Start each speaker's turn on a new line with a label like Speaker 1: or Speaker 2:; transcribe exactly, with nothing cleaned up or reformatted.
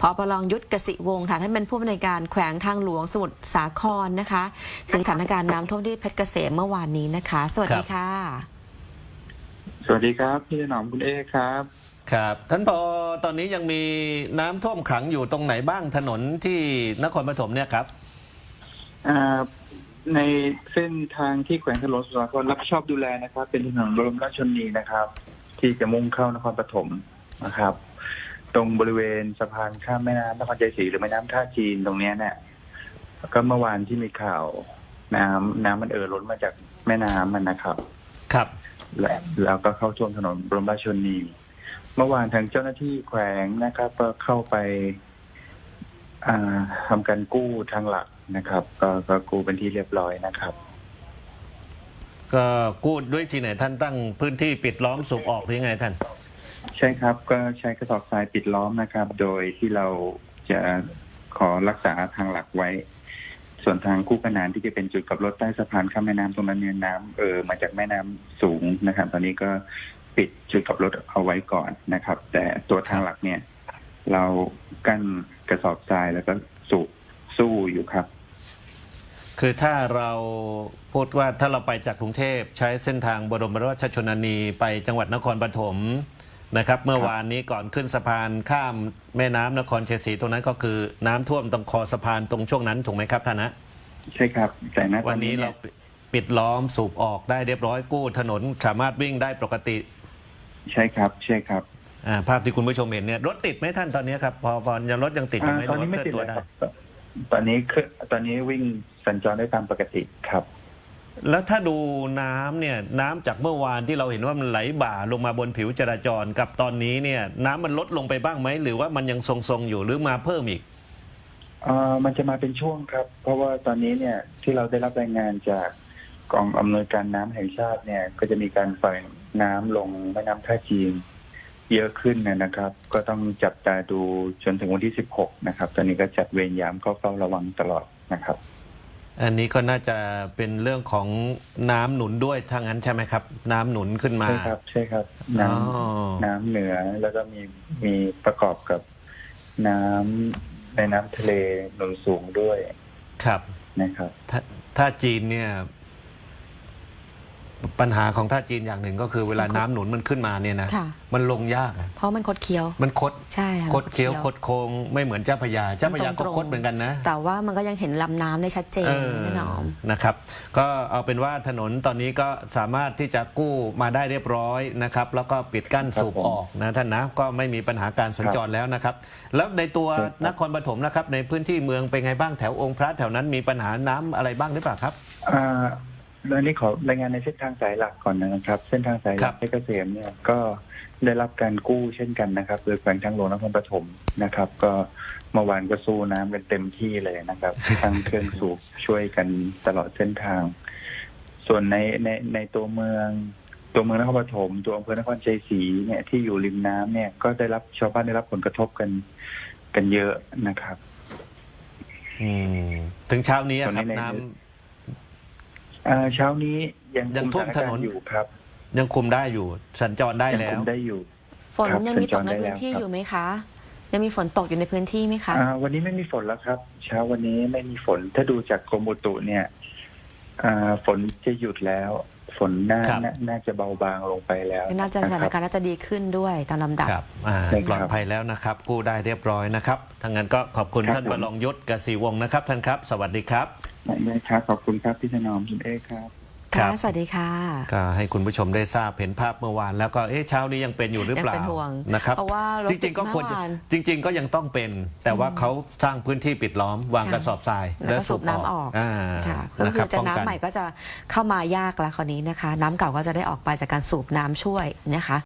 Speaker 1: ปรองยุทธกสิวงศ์ค่ะท่านเป็นผู้อำนวยการแขวงทางหลวงสมุทรสาครนะคะถึงสถานการณ์น้ำท่วมที่เพชรเกษมเมื่อวานนี้นะคะสวัสดีค่ะ
Speaker 2: สวัสดีครับพี่หนอมคุณเอครับ
Speaker 3: ครับท่านผอตอนนี้ยังมีน้ำท่วมขังอยู่ตรงไหนบ้างถนนที่นครปฐมเนี่ยครับ
Speaker 2: ในเส้นทางที่แขวงทางหลวงสมุทรสาครรับผิดชอบดูแลนะครับ เป็นถนนบรมราชชนนีนะครับ ที่จะมุ่งเข้านครปฐมนะครับ ตรงบริเวณสะพานข้ามแม่น้ำนครชัยศรีหรือแม่น้ำท่าจีนตรงนี้เนี่ยก็เมื่อวานที่มีข่าวน้ำน้ำมันเอ่อล้นมาจากแม่น้ำมันนะครับ
Speaker 3: ครับ
Speaker 2: แล้วแล้วก็เข้าท่วมถนนบรมราชชนนีเมื่อวานทางเจ้าหน้าที่แขวงนะครับก็เข้าไปทำการกู้ทางหลักนะครับก็ก็กู้เป็นที่เรียบร้อยนะครับ
Speaker 3: ก็กู้ด้วยที่ไหนท่านตั้งพื้นที่ปิดล้อมสูบออกหรือไงท่าน
Speaker 2: ใช่ครับก็ใช้กระสอบทรายปิดล้อมนะครับ โดยที่เราจะขอรักษาทางหลักไว้ส่วนทางคู่ขนานที่จะเป็นจุดกับรถใต้สะพานข้ามแม่น้ำตรงนั้นเนี่ยน้ำเออมาจากแม่น้ำสูงนะครับตอนนี้ก็ปิดจุดกับรถเอาไว้ก่อนนะครับ แต่ตัวทางหลักเนี่ยเรากั้นกระสอบทรายแล้วก็สูบสู้อยู่ครับ
Speaker 3: คือถ้าเราพูดว่าถ้าเราไปจากกรุงเทพใช้เส้นทางบรมราชชนนีไปจังหวัดนครปฐมนะครับเมื่อวานนี้ก่อนขึ้นสะพานข้ามแม่น้ำนครชัยศรีตรงนั้นก็คือน้ำท่วมตรงคอสะพานตรงช่วงนั้นถูกไหมครับท่านนะ
Speaker 2: ใช่ครับแต่ณ
Speaker 3: วันนี้เราปิดล้อมสูบออกได้เรียบร้อยกู้ถนนสามารถวิ่งได้ปกติ
Speaker 2: ใช่ครับใช่ครับ
Speaker 3: ภาพที่คุณผู้ชมเห็นเนี่ยรถติดไหมท่านตอนนี้ครับพอพอยังรถยังติดอยู่ไหม
Speaker 2: ตอนนี้ไม่ติดเลยครับตอนนี้คือตอนนี้วิ่งสัญจรได้ตามปกติครับ
Speaker 3: แล้วถ้าดูน้ำเนี่ยน้ำจากเมื่อวานที่เราเห็นว่ามันไหลบ่าลงมาบนผิวจราจรกับตอนนี้เนี่ยน้ำมันลดลงไปบ้างไหมหรือว่ามันยังทรงๆอยู่หรือมาเพิ่มอีก
Speaker 2: เอ่อมันจะมาเป็นช่วงครับเพราะว่าตอนนี้เนี่ยที่เราได้รับรายงานจากกองอำนวยการน้ำแห่งชาติเนี่ยก็จะมีการปล่อยน้ำลงแม่น้ำท่าจีนเยอะขึ้นนะครับก็ต้องจับตาดูจนถึงวันที่สิบหกนะครับตอนนี้ก็จัดเวรยามเข้าเฝ้าระวังตลอดนะครับ
Speaker 3: อันนี้ก็น่าจะเป็นเรื่องของน้ำหนุนด้วยทางนั้นใช่ไหมครับน้ำหนุนขึ้นมา
Speaker 2: ใช่ครับใช่ครับน้ำน้ำเหนือแล้วก็มีมีประกอบกับน้ำในน้ำทะเลหนุนสูงด้วย
Speaker 3: ครับ
Speaker 2: นะครับ
Speaker 3: ถ้าถ้าจีนเนี่ยปัญหาของท่าจีนอย่างหนึ่งก็คือเวลาน้ำหนุนมันขึ้นมาเนี่ยนะมันลงยาก
Speaker 1: เพราะมันคดเคี้ยว
Speaker 3: มันคด
Speaker 1: ใช่
Speaker 3: คดเคี้ยวคดโค้งไม่เหมือนเจ้าพระยาเจ้าพระยาก็คดเหมือนกันนะ
Speaker 1: แต่ว่ามันก็ยังเห็นลำน้ำได้ชัดเจนแน่นอน
Speaker 3: นะครับก็เอาเป็นว่าถนนตอนนี้ก็สามารถที่จะกู้มาได้เรียบร้อยนะครับแล้วก็ปิดกั้นสูบออกนะท่านนะก็ไม่มีปัญหาการสัญจรแล้วนะครับแล้วในตัวนครปฐมนะครับในพื้นที่เมืองเป็นไงบ้างแถวองค์พระแถวนั้นมีปัญหาน้ำอะไรบ้างหรือเปล่าครับ
Speaker 2: แล้วนี้ขอรายงานในเส้นทางสายหลักก่อนนะครับเส้นทางสายหลักเพชรเกษมเนี่ยก็ได้รับการกู้เช่นกันนะครับโดยแขวงทางหลวงนครปฐมนะครับก็เมื่อวานก็สู้น้ำกันเต็มที่เลยนะครับทั้งเครื่องสูบช่วยกันตลอดเส้นทางส่วนในในในตัวเมืองตัวเมืองนครปฐมตัวอำเภอนครชัยศรีเนี่ยที่อยู่ริมน้ำเนี่ยก็ได้รับชาวบ้านได้รับผลกระทบกันกันเยอะนะครับ
Speaker 3: อืมถึงเช้านี้ครับน้ำ
Speaker 2: เช้านี้ยัง
Speaker 3: ยังท่วมถนน
Speaker 2: อยู่ครับ
Speaker 3: ยังคุมได้อยู่สัญจรได้แล้ว
Speaker 2: ยังคุมได้อยู่
Speaker 1: ฝนยังมีตกในพื้นที่อยู่ไหมคะยังมีฝนตกอยู่ในพื้นที่ไหมคะ
Speaker 2: วันนี้ไม่มีฝนแล้วครับเช้าวันนี้ไม่มีฝนถ้าดูจากกรมอุตุเนี่ยฝนจะหยุดแล้วฝนน่าน่าจะเบาบางลงไปแล้ว
Speaker 1: น่าจะสถานการณ์น่าจะดีขึ้นด้วยตามลำดับ
Speaker 3: ปลอดภัยแล้วนะครับกู้ได้เรียบร้อยนะครับทั้งนั้นก็ขอบคุณท่านบรองยุทธกสิวงศ์นะครับท่านครับสวัสดีครับ
Speaker 2: ได้ครับขอบคุณครับพี่ถนอมคุณเอครับ
Speaker 1: ค่ะสวัสดีค่ะ
Speaker 3: ก็ให้คุณผู้ชมได้ทราบเห็นภาพเมื่อวานแล้วก็เอ๊ะเช้านี้ยังเป็นอยู่หรือเปล่านะครับ
Speaker 1: เพราะว่า
Speaker 3: จริงๆก็ควรจริงๆก็ยังต้องเป็นแต่ว่าเขาสร้างพื้นที่ปิดล้อมวางกระสอบทราย
Speaker 1: แล้วสูบน้ำออกก็คือจะน้ำใหม่ก็จะเข้ามายากแล้วคราวนี้นะคะน้ำเก่าก็จะได้ออกไปจากการสูบน้ำช่วยนะคะ